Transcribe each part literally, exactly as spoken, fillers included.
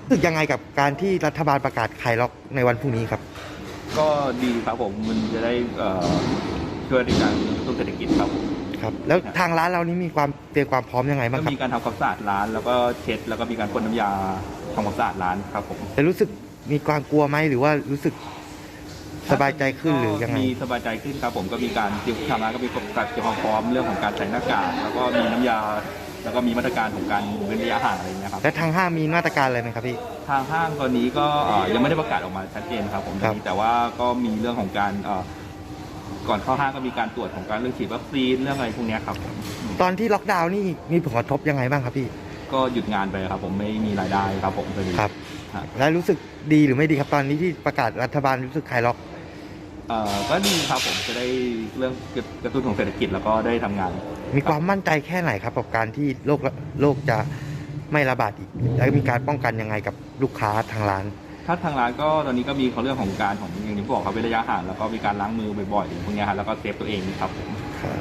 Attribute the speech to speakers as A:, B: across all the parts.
A: รู้สึกยังไงกับการที่รัฐบาลประกาศคลายล็อกในวันพรุ่งนี้ครับ
B: ก็ดีครับผมมันจะได้ช่วยในการกระตุ้นเศรษฐกิจครับผม
A: ครับแล้วทางร้านเรานี้มีความเตรียมความพร้อมยังไงบ้างค
B: ก็
A: รับ
B: มีการทำความสะอาดร้านแล้วก็เช็ดแล้วก็มีการพ่นน้ำยาทำความสะอาดร้านครับผม
A: แต่รู้สึกมีความกลัวไหมหรือว่ารู้สึกสบายใจขึ้นหรือยังไง
B: มีสบายใจขึ้นครับผมก็มีการเตรียมทางร้านก็มีการเตรียมความพร้อมเรื่องของการใส่หน้ากากแล้วก็มีน้ำยาแล้วก็มีมาตรการของการเว้นระยะห่างอะไรเงี้ยครับ
A: และทางห้างมีมาตรการอะไรไหมครับพี่
B: ทางห้างตอนนี้ก็ยังไม่ได้ประกาศออกมาชัดเจนครับผมแต่ว่าก็มีเรื่องของการก่อนเข้าห้างก็มีการตรวจของการเรื่องฉีดวัคซีนเรื่องอะไรพวกนี้ครับผม
A: ตอนที่ล็อกดาวน์นี่มีผลกระทบยังไงบ้างครับพี่
B: ก็หยุดงานไปครับผมไม่มีรายได้ครับผมตอนนี้
A: ครับแล้วรู้สึกดีหรือไม่ดีครับตอนนี้ที่ประกาศรัฐบาลรู้สึกคลายล็อก
B: เอ่อก็ดีครับผมจะได้เรื่องกระตุ้นของเศรษฐกิจแล้วก็ได้ทำงาน
A: มีความมั่นใจแค่ไหนครับกับการที่โรคโรคจะไม่ระบาดอีกแล้วมีการป้องกันยังไงกับลูกค้าทางร้าน
B: ถ้าทางร้านก็ตอนนี้ก็มีเขาเรื่องของการของอย่างที่บอกครับเว้นระยะห่างแล้วก็มีการล้างมือบ่อยๆพวกนี้ครับแล้วก็เซฟตัวเองครับผม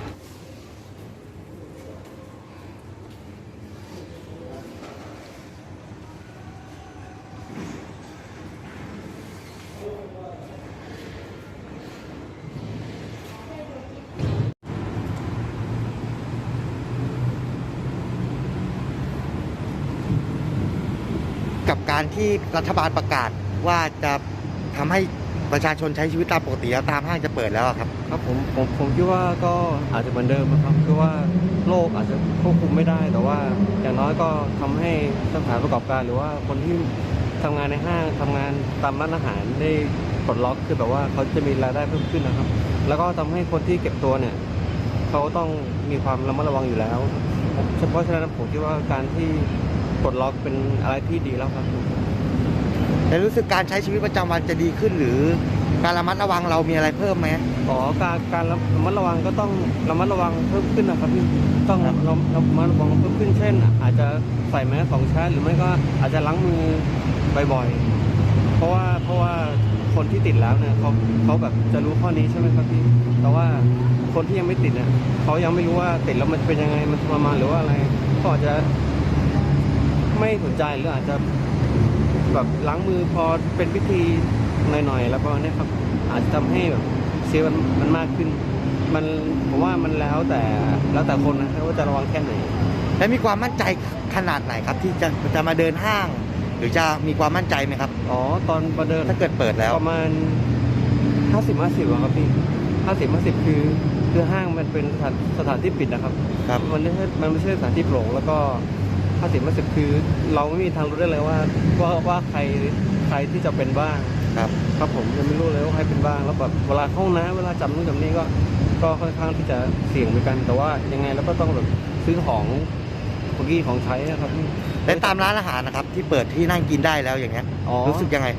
A: กับการที่รัฐบาลประกาศว่าจะทำให้ประชาชนใช้ชีวิตตามปกติแล้วตามห้างจะเปิดแล้วครับ
C: ครับผมผมผมคิดว่าก็อาจจะเหมือนเดิมนะครับคือว่าโรคอาจจะควบคุมไม่ได้แต่ว่าอย่างน้อยก็ทำให้สถานประกอบการหรือว่าคนที่ทำงานในห้างทำงานตามร้านอาหารได้ปลดล็อกคือแบบว่าเขาจะมีรายได้เพิ่มขึ้นนะครับแล้วก็ทำให้คนที่เก็บตัวเนี่ยเขาต้องมีความระมัดระวังอยู่แล้วเฉพาะฉะนั้นผมคิดว่าการที่ปลดล็อกเป็นอะไรที่ดีแล้วครับ
A: แต่รู้สึกการใช้ชีวิตประจำวันจะดีขึ้นหรือการระมัดระวังเรามีอะไรเพิ่มไหม
C: อ๋อการการระมัดระวังก็ต้องระมัดระวังเพิ่มขึ้นนะครับพี่ต้องระมัดระวังเพิ่มขึ้นเช่นอาจจะใส่แมสสองชั้นหรือไม่ก็อาจจะล้างมือบ่อยๆเพราะว่าเพราะว่าคนที่ติดแล้วเนี่ยเขาเขาแบบจะรู้ข้อนี้ใช่ไหมครับพี่แต่ว่าคนที่ยังไม่ติดเนี่ยเขายังไม่รู้ว่าติดแล้วมันเป็นยังไงมันทรมานหรือว่าอะไรก็อาจจะไม่สนใจหรืออาจจะแบบล้างมือพอเป็นพิธีหน่อยๆแล้วก็เนี่ยครับอาจจะทำให้แบบเชื้อมันมันมากขึ้นมันผมว่ามันแล้วแต่แล้วแต่คนนะว่าจะระวังแค่ไหน
A: และมีความมั่นใจขนาดไหนครับที่จะจะมาเดินห้างหรือจะมีความมั่นใจไหมครับ
C: อ๋อตอนมาเดิน
A: ถ้าเกิดเปิดแล้ว
C: ประมาณห้าสิบห้าสิบครับพี่ห้าสิบห้าสิบคือคือห้างมันเป็นสถานสถานที่ปิดนะครับ
A: ครับ
C: มันไม่ใช่มันไม่ใช่สถานที่โปร่งแล้วก็ห้าสิบห้าสิบคือเราไม่มีทางรู้ได้เลยว่าว่าว่าใครใครที่จะเป็นบ้าง
A: ครับ
C: ครับผมยังไม่รู้เลยว่าใครเป็นบ้างแล้วแบบเวลาเข้าน้ำเวลาจับนู่นจับนี่ก็ก็ค่อนข้างที่จะเสี่ยงเหมือนกันแต่ว่ายังไงเราก็ต้องแบบซื้อของของกี้ของใช้นะครับ
A: และตามร้านอาหารนะครับที่เปิดที่นั่งกินได้แล้วอย่างเงี้ยรู้สึกยังไง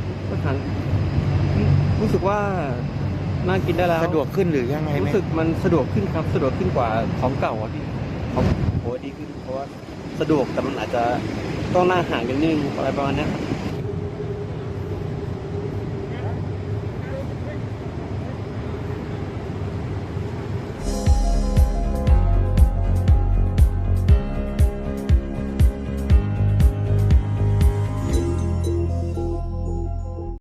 C: รู้สึกว่านั่งกินได้แล้ว
A: สะดวกขึ้นหรือยังไง
C: รู้สึกมันสะดวกขึ้นครับสะดวกขึ้นกว่าของเก่าอ่ะพี่ของโหดีขึ้นเพราะว่าสะดวกแต่มันอาจจะต้องนั่งห่างกันนิดนึงอะไรประมาณนี้